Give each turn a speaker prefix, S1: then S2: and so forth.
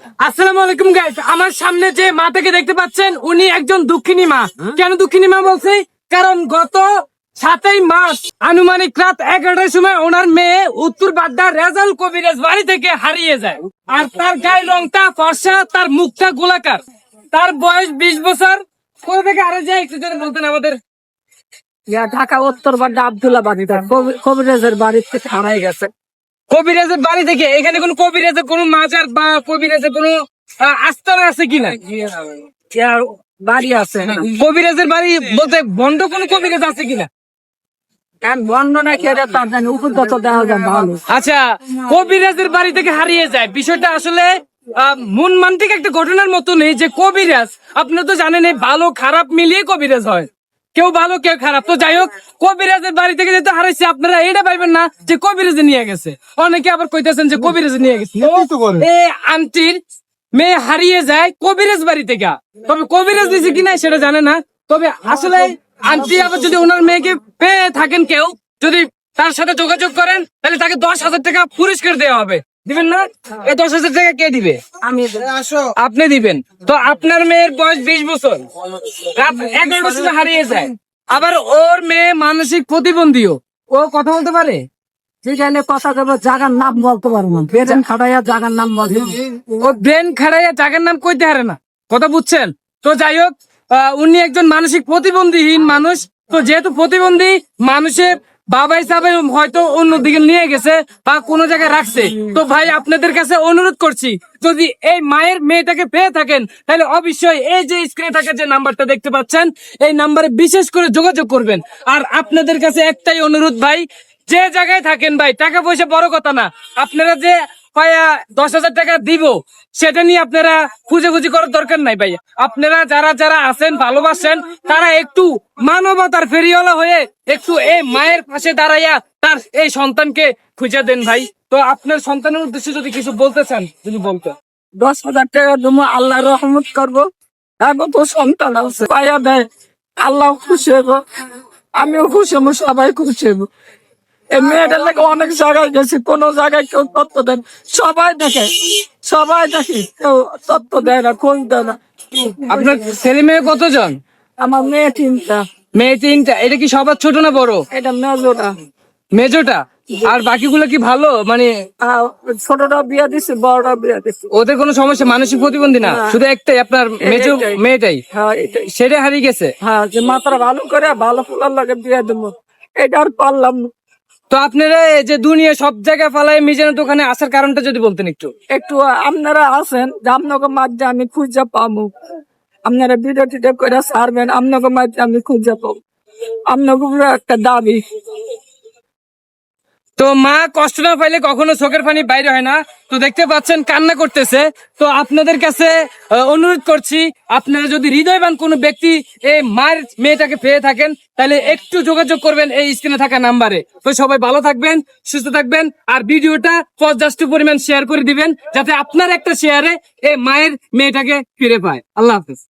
S1: আসসালামু আলাইকুম গাইস, আমার সামনে যে মাটাকে দেখতে পাচ্ছেন উনি একজন দুঃখিনী মা। কেন দুঃখিনী মা বলছি? কারণ গত 7ই মার্চ আনুমানিক রাত 11টার সময় ওনার মেয়ে উত্তর বাড্ডা রেজাল কবিরাজ বাড়ি থেকে হারিয়ে যায়। আর তার গায়ের রংটা ফর্সা, তার মুখটা গোলাকার, তার বয়স 20 বছর। কোথা থেকে হারিয়ে যায় একটু যদি বলতেন আমাদের।
S2: ঢাকা উত্তর বাড্ডা আব্দুল্লাহ বাড়ি, কবিরাজের বাড়ির থেকে হারাই গেছে।
S1: কবিরাজের বাড়ি থেকে এখানে কোন কবিরাজের কোন মাজার বা কবিরাজের কোন আস্তানা আছে কিনা?
S2: বাড়ি আছে
S1: কবিরাজের বাড়ি বলতে বন্ধ কোন কবিরাজ আছে কিনা?
S2: বন্ধ না খেয়ে তার জানি উপযুক্ত দেওয়া যায় ভালো।
S1: আচ্ছা, কবিরাজের বাড়ি থেকে হারিয়ে যায়, বিষয়টা আসলে মন মান্তিক একটা ঘটনার মতো নেই যে কবিরাজ, আপনারা তো জানেন এই ভালো খারাপ মিলিয়ে কবিরাজ হয়, কেউ ভালো কেউ খারাপ। তো যাই হোক, কবিরাজের বাড়ি থেকে যেহেতু হারাইছে আপনারা এটা পাইবেন না যে কবিরাজে নিয়ে গেছে। অনেকে আবার কইতেছেন যে কবিরাজে নিয়ে গেছে। এই আন্টির মেয়ে হারিয়ে যায় কবিরাজ বাড়ি থেকে, তবে কবিরাজ দিয়েছে কিনা সেটা জানে না। তবে আসলে আন্টি আবার যদি ওনার মেয়েকে পেয়ে থাকেন, কেউ যদি তার সাথে যোগাযোগ করেন তাহলে তাকে 10,000 টাকা পুরস্কার দেওয়া হবে। দিবেন না? এই 10,000 টাকা কে দিবে?
S2: আমি
S1: আপনি দিবেন। তো আপনার মেয়ের বয়স 20 বছর, রাত 11টার সময় হারিয়ে যায়। আবার ওর মেয়ে মানসিক প্রতিবন্ধীও, ও কথা বলতে পারে।
S2: যেখানে কথা কেবল জায়গার নাম বলতে পারবো না, বেতন খাটাইয়া জায়গার নাম বলতে
S1: ও ব্রেন খাড়াইয়া জায়গার নাম কইতে হারে না, কথা বুঝছেন? তো যাই হোক, উনি একজন মানসিক প্রতিবন্ধীহীন মানুষ। তো যেহেতু প্রতিবন্ধী মানুষের বাবা হিসাবে হয়তো অন্যদিকে নিয়ে গেছে বা কোনো জায়গায় রাখছে। তো ভাই আপনাদের কাছে অনুরোধ করছি, যদি এই মায়ের মেয়েটাকে পেয়ে থাকেন তাহলে অবশ্যই এই যে স্ক্রিনে থাকা যে নাম্বারটা দেখতে পাচ্ছেন এই নাম্বারে বিশেষ করে যোগাযোগ করবেন। আর আপনাদের কাছে একটাই অনুরোধ ভাই, যে জায়গায় থাকেন ভাই, টাকা পয়সা বড় কথা না, আপনারা যে 10,000 টাকা দিব সেটা নিয়ে আপনারা খুঁজে করার দরকার নাই ভাই। আপনারা যারা যারা আছেন ভালোবাসেন তারা একটু মানবতার ফেরিওয়ালা হয়ে একটু এই মায়ের পাশে দাঁড়াইয়া তার এই সন্তানকে খুঁজে দেন ভাই। তো আপনার সন্তানের উদ্দেশ্যে যদি কিছু বলতে চান, যদি বলতে।
S2: 10,000 টাকা দেবো, আল্লাহ রহমত করবো। এখন তো সন্তান আছে, পাইয়া দেয়, আল্লাহ খুশি হইব, আমিও খুশি হবো, সবাই খুশি হইব। এই মেয়েটার লাগে অনেক জায়গায় গেছি, কোন জায়গায় কেউ তথ্য দেন, সবাই দেখে কেউ তথ্য দেয় না, খোঁজ দেয় না।
S1: আপনার ছেলে মেয়ে কতজন?
S2: আমার মেয়ে 3টা।
S1: মেয়ে 3টা। এটা কি সবার ছোট না বড়?
S2: এটা মেজোটা।
S1: মেজোটা। আর বাকিগুলো কি ভালো, মানে
S2: ছোটটা বিয়া দিছে, বড়টা বিয়া দিছে।
S1: ওদের কোনো সমস্যা, মানসিক প্রতিবন্ধী না?
S2: না।
S1: শুধু একটাই আপনার মেজো
S2: একটাই।
S1: মেয়েটাই,
S2: হ্যাঁ এটাই।
S1: সেটা হারিয়ে গেছে।
S2: হ্যাঁ, যে মাথাটা ভালো করে ভালো ফুলার লাগে বিয়া দেবো, এটা আর পারলাম না।
S1: তো আপনারা এই যে দুনিয়া সব জায়গায় ফালাই মিজানের দোকানে আসার কারণটা যদি বলতেন একটু।
S2: একটু আপনারা আছেন যে আপনাকে মাঝে আমি খুঁজে পাবো, আপনারা ভিডিও টিডিও করে ছাড়বেন, আপনাকে মাঝে আমি খুঁজে পাবো, আপনাকে পুরো একটা দাবি।
S1: তো মা কষ্ট না পাইলে কখনো চোখের পানি বাইরে হয় না। তো দেখতে পাচ্ছেন কান্না করতেছে। তো আপনাদের কাছে অনুরোধ করছি, আপনারা যদি হৃদয়বান কোনো ব্যক্তি এই মায়ের মেয়েটাকে পেয়ে থাকেন তাহলে একটু যোগাযোগ করবেন এই স্ক্রিনে থাকা নাম্বারে। তো সবাই ভালো থাকবেন, সুস্থ থাকবেন, আর ভিডিওটা পর্যাপ্ত পরিমাণ শেয়ার করে দিবেন যাতে আপনার একটা শেয়ারে এই মায়ের মেয়েটাকে ফিরে পায়। আল্লাহ হাফেজ।